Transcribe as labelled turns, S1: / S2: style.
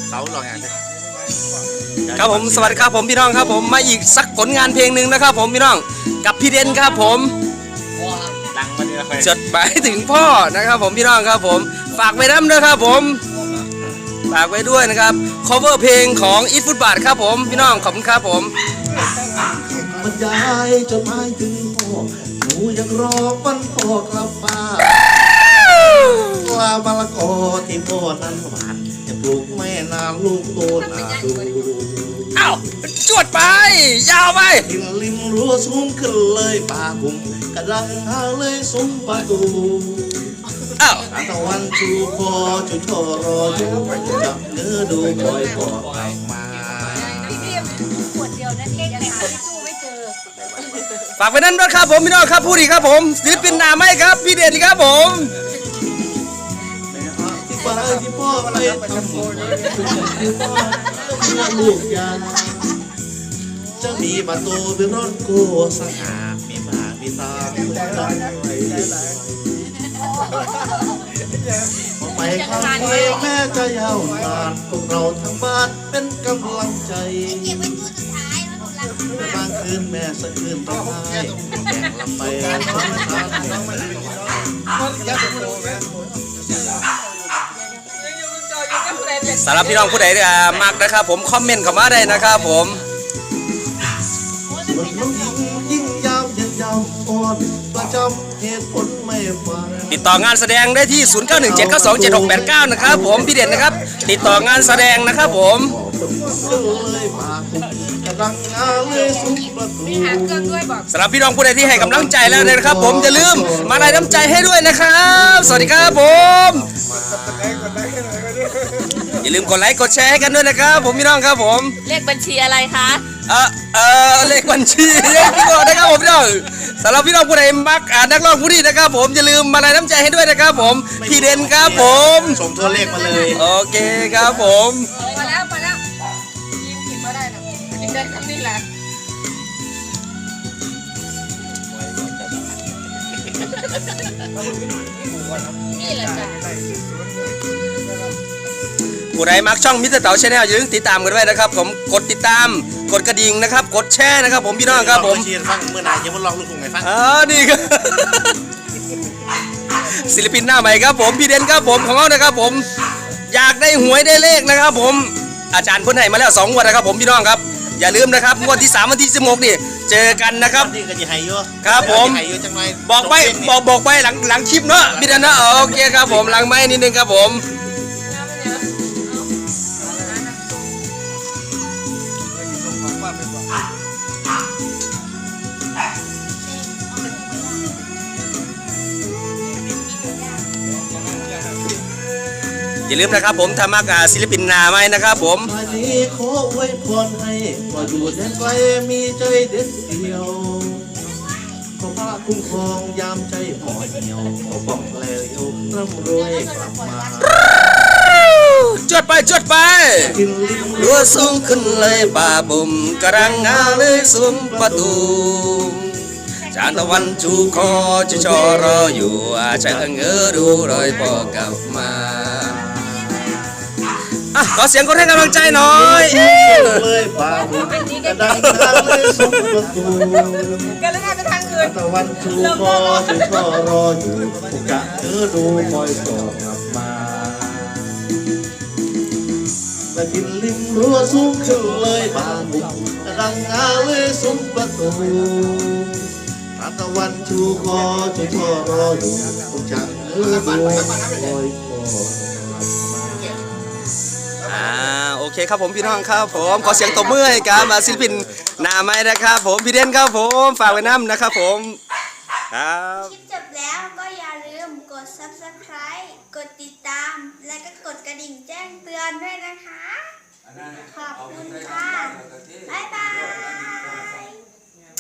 S1: เสาหล่ออย่าง
S2: ครับผมสวัสดีครับผมพี่น้องครับผมมาอีกสักผลงานเพลงหนึ่งนะครับผมพี่น้องกับพี่เด่นครับผม
S1: ดังมาเนี่ยไป
S2: จดหมายถึงพ่อนะครับผมพี่น้องครับผมฝากไว้น้ำด้วยครับผมฝากไว้ด้วยนะครับ cover เพลงของอีทฟุตบาทครับผมพี่น้องขอบคุณครับผม
S3: บรรยายจดหมายถึงพ่อหนูยังรอวันพ่อกลับบ้านลามะละกอที่พ่อนั้นหวานจะปลูกไม่นานลูกโตนาดู
S2: อ้าวจวดไปยาวไป
S3: ทิมริมรั้วสูงขึ้นเลยป่ากุ่มกระดังหาเลยซุ้มประตู
S2: อ้าว
S3: ตะวันชูคอชูชอรออยู่จับเนื้อดูคอยพ่อกลับมา
S2: ฝากไปนั่นด้วยครับผมพี่น้องครับผู้ดีครับผมศิลปินหน้าไม้ครับพี่เด่นครับผม
S3: ที่ป้าที่พ่อไปทำบุญที่พ่อลูกยาจะมีประตูเป็นรถโก้สง่ามีหมามีตาไปข้างไปแม่จะยาวนานพวกเราทั้งบ้านเป็นกำลังใจบางคืนแม่สะคืนร้องไห้แข่งลำไป
S2: สำหรับพี่น้องผู้ใดมากนะครับผมคอมเมนต์เข้ามาได้นะครับผม
S3: ส่วนน้องหญิงยิ่งยาวยืนยาวอ่อนประจำเหตุผลไม่ฟัง
S2: ติดต่องานแสดงได้ที่ 0917927689 นะครับผมพี่เด่นนะครับติดต่องานแสดงนะครับผมสำหรับพี่น้องผู้ใดที่ให้กำลังใจแล้วนะครับผมอย่าลืมมาไลน์น้ำใจให้ด้วยนะครับสวัสดีครับผมอย่าลืมกดไลค์กดแชร์ให้กันด้วยนะครับผมพี่น้องครับผม
S4: เลขบัญชีอะไรคะ
S2: เลขบัญชีพี่น้องนะครับผมพี่น้องสำหรับพี่น้องผู้ใดมักนักร้องผู้นี้นะครับผมอย่าลืมมาไลน์น้ำใจให้ด้วยนะครับผมพี่เด่นครับผม
S1: ส่งตัวเลขมาเลย
S2: โอเคครับผม
S4: มาแล้วยิงผิดมาได้นะยิงได้คำนี้แหละนี่แหละจ้ะ
S2: ผู้ใดมักช่องมิสเตอร์เต๋าชาแนลอย่าลืมติดตามกันไว้นะครับผมกดติดตามกดกระดิ่งนะครับกดแชร์นะครับผมพี่น้องครับผม
S1: ฟังเมื่อไหร่จะมาลองลูกทุ่งไงฟัง
S2: นี่ครับศิลปินหน้าใหม่ครับผมพี่เด่นครับผมของเรานะครับผมอยากได้หวยได้เลขนะครับผมอาจารย์พ้นให้มาแล้ว2 งวดนะครับผมพี่น้องครับอย่าลืมนะครับงวดที่3วันที่16นี่เจอกันนะครับ
S1: นี่ก็จะให้เยอะ
S2: ครับผมบอกไปหลังคลิปเนาะพี่เด่นนะโอเคครับผมหลังไม้นิดนึงครับผมอย่าลืมนะครับผมธรรมะศิลปินนาไม้นะครับผม
S3: วันนี้ขออวยพรให้ว่าอยู่แดนไกลมีใจเด็ดเดียวขอพระคุ้มครองยามใจห่อเหี่ยวขอป้องแล้วยกร่ำรวยกลับมา
S2: จดไปรัวสูงขึ้นเลยป่าบุ่มกระรังงาเลยซุ้มประตูจานตะวันชูคอจะชอรออยู่จะเงือดูรอยพ่อกลับมาขอเสียงคนให้กำลังใจหน่อย
S3: เลยป่าบุ่มกระดังงาเลยซุ้มประตู
S4: กันแล้วไปทางอื่น
S3: ตะวันชูคอจะชอรออยู่จะเงือดูคอยพ่อกลับมาและกินริมรั้วสูงขึ้นเลยป่าบุ่มกระดังงาเลยซุ้มประตูตะวันชูคอจะชอรออยู่จะเงือดูคอยพ่อกลับมา
S2: โอเคครับผมพี่น้องครับผมขอเสียงตบมือให้กับศิลปินหน้าไม้นะครับผมพี่เด่นครับผมฝากไว้น้ำนะครับผมครับ
S5: คลิปจบแล้วก็อย่าลืมกด Subscribe กดติดตามและก็กดกระดิ่งแจ้งเตือนด้วยนะคะขอบคุณค่ะบ๊ายบาย